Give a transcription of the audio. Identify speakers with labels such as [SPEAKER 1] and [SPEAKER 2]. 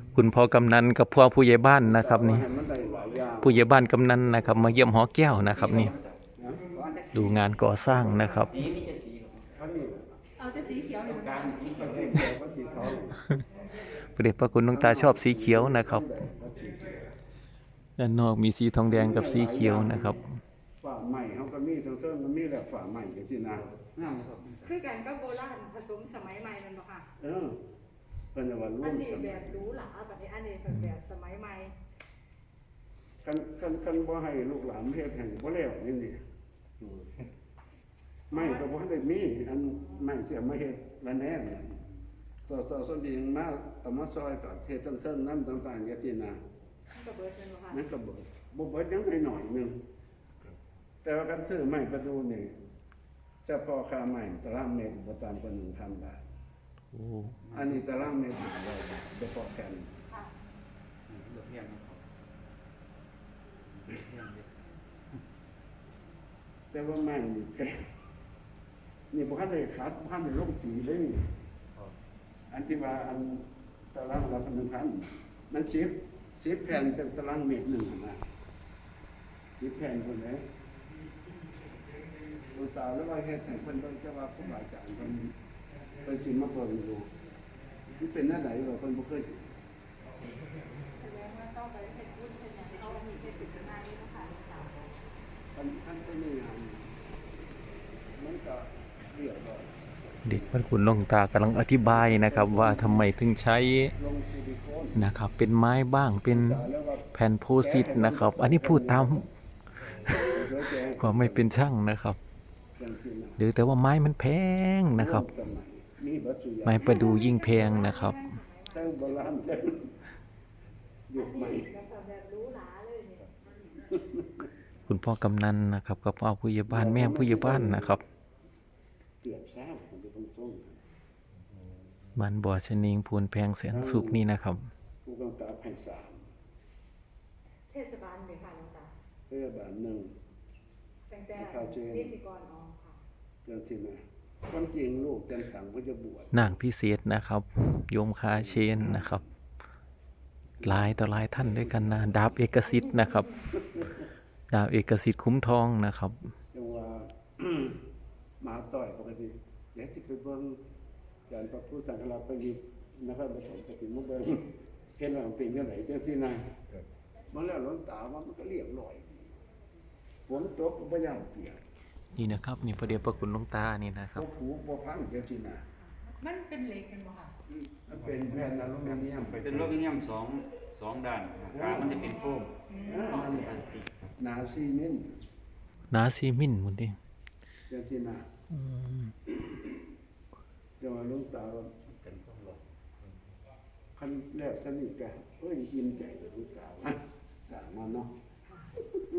[SPEAKER 1] คุณพ่อกำนันกับพ่อผู้ใหญ่บ้านนะครับนี่
[SPEAKER 2] ให้มันได้หลายอย่าง
[SPEAKER 1] ผู้ใหญ่บ้านกำนันนะครับมาเยี่ยมหอแก้วนะครับนี่ดูงานก่อสร้างนะครับ
[SPEAKER 3] สีมีจะสีครับ
[SPEAKER 2] ท่านนี่
[SPEAKER 4] เอาแต่สีเขียว
[SPEAKER 3] ต
[SPEAKER 4] เนี่
[SPEAKER 3] ร
[SPEAKER 4] ย
[SPEAKER 3] งกลางมีสีเขี
[SPEAKER 2] ก็
[SPEAKER 3] ยว
[SPEAKER 2] สีเขียวก็สีทอง
[SPEAKER 1] พระเดชพระคุณหลวงตาชอบสีเขียวนะครับด้านนอกมีสีทองแดงกับสีเขียวนะครับ
[SPEAKER 2] ฝ่าใหม่เขาก็มีทั้งเส้นมันมีแหละฝ่าใหม่ก็สินะ
[SPEAKER 3] งามครับ
[SPEAKER 4] คือกันก็โบราณผสมสมัยใหม่นั่นบ่ค่ะ
[SPEAKER 2] เออเป็นว่าร่ว
[SPEAKER 4] อัน
[SPEAKER 2] ม
[SPEAKER 4] นี้
[SPEAKER 2] ส
[SPEAKER 4] แบ
[SPEAKER 2] มัย
[SPEAKER 4] บหรูหราแบบนี้อันนี้แบบสมัยใหม่
[SPEAKER 2] คันบ่ให้ลูกหลานเฮ็ดให้บ่แล้วนี่นี่ไม่ก็บ่ได้มีอันไม่เสียมาเฮ็ดละแน่เนี่ยส่วนดีมาเอามาซอยกับเฮ็ดเส้นๆนั้นต่างๆอย่างที่นะ
[SPEAKER 4] มันก็เบิดนั่นบ่ค่ะ
[SPEAKER 2] นั่นก็บ่เบิดยังหน่อยๆนึงแต่ว่าการซื้อใหม่ประตูนี่เฉพาะค่าใหม่ตารางเมตรบ่ต่ำกว่า 1,000 บาท
[SPEAKER 1] โอ้
[SPEAKER 2] อันนี้ตารางเมตร500 บาทเฉพาะกัน
[SPEAKER 4] ค่ะ
[SPEAKER 3] เลือกเรียงนะครับเลือกเรียงเด็ก
[SPEAKER 2] แต่ว่าใหม่นี่แพงนี่บ่ทันได้คัดบ่ทันได้ลงสีเลยนี่
[SPEAKER 3] ครับ
[SPEAKER 2] อันที่ว่าอันตารางละ1,000มัน10แผ่นเป็นตารางเมตรหนึงนะ10แผ่นพุ่นเด้ดูตาแล้วว่าเฮ็ดให้เพิ่นเบิ่งจะว่าผู้บาอาจารย์เพิ่นสิมาเบิ่งดูมันเป็นแนวใดว่าเพิ่นบ่เคย
[SPEAKER 4] แสดงว่าต้องไปเฮ็ดบุญเฮ็ดหยังเอาอันนี้เฮ็ดเป็นหน้านี้นะคะ
[SPEAKER 2] ท่านก็นี่มันก็เรียบร้อย
[SPEAKER 1] เด็กพระคุณหลวงตากำลังอธิบายนะครับ ว่าทำไมถึงใช้
[SPEAKER 2] ลงซิลิโคน
[SPEAKER 1] นะครับ เป็นไม้บ้างเป็น
[SPEAKER 2] แล้วว่า
[SPEAKER 1] แผ่นโพสิตนะครับ อันนี้พูดตาม
[SPEAKER 2] เดี๋ยวแจ้ง
[SPEAKER 1] ความไม่เป็นช่างนะครับ
[SPEAKER 2] จังซี่นะ
[SPEAKER 1] หรือแต่ว่าไม้มันแพงนะครับ
[SPEAKER 2] สมัยมีเบัตรสุยา
[SPEAKER 1] ไม้ประดูยิ่งแพงนะครับ
[SPEAKER 2] ทั้งโบราณทั้งยุคใหม่
[SPEAKER 4] แล้วก็แบบหรูหราเลยเนี่ย
[SPEAKER 1] คุณพ่อกำนันนะครับกับพ่อผู้ใหญ่บ้านแม่ผู้ใหญ่บ้านนะครับ
[SPEAKER 2] เกือบเช้าผมจะต้องส่ง
[SPEAKER 1] บ้านบ่อชะนิงพูนแพงแสนสุขนี่นะครับ
[SPEAKER 2] ผู้กำกับให้3
[SPEAKER 4] เทศบาลเลยค่ะหลวงตา
[SPEAKER 2] เพื่อบาทหนึ่ง
[SPEAKER 4] ตั้งแต่
[SPEAKER 2] ข้าวเจน
[SPEAKER 4] นิติกรอ๋อค่ะ
[SPEAKER 2] จังซี่นะความจริงลูกเต็มสังก็จะบวช
[SPEAKER 1] นางพิเศษนะครับ โยมคาเชนนะครับหลายต่อหลายท่านด้วยกันนะดาบเอกสิทธิ์นะครับ ดาบเอกสิทธิ์คุ้มทองนะครับ
[SPEAKER 2] จังว่า หมาต่อยปกติเดี๋ยวสิไปเบิ่งการพระพุทธสังฆราชประยุทธ์นะครับผสมกฐินมาเบิ่งเห็นว่ามันเป็นจังไดจังซี่นะมันแล้วหลวงตาว่ามันก็เรียบร้อยฝนตกก็บ่ย่านเปียก
[SPEAKER 1] นี่นะครับ นี่พระเดชพระคุณหลวงตานี่นะครั
[SPEAKER 2] บ่
[SPEAKER 1] บ
[SPEAKER 2] ผูบ่พังจังซี่นะ
[SPEAKER 4] มันเป็นเหล็กกันบ่ค่ะ
[SPEAKER 2] มันเป็นแผ่นอลูมิเนียม
[SPEAKER 3] เป็นโลมิเนียมสองด้านกลางมันจะเป็นโฟม
[SPEAKER 2] นั่นแหละหนาซีเมนต์
[SPEAKER 1] นาซีมินหมดดิ
[SPEAKER 2] จังซี่นะจังว่าหลวงตาว่า
[SPEAKER 3] เป็นโฟมหลอด
[SPEAKER 2] คันแรกสนิทกันเอ้ยยิ้มใจเลยหลวงตาว่าสั่งมาเนาะ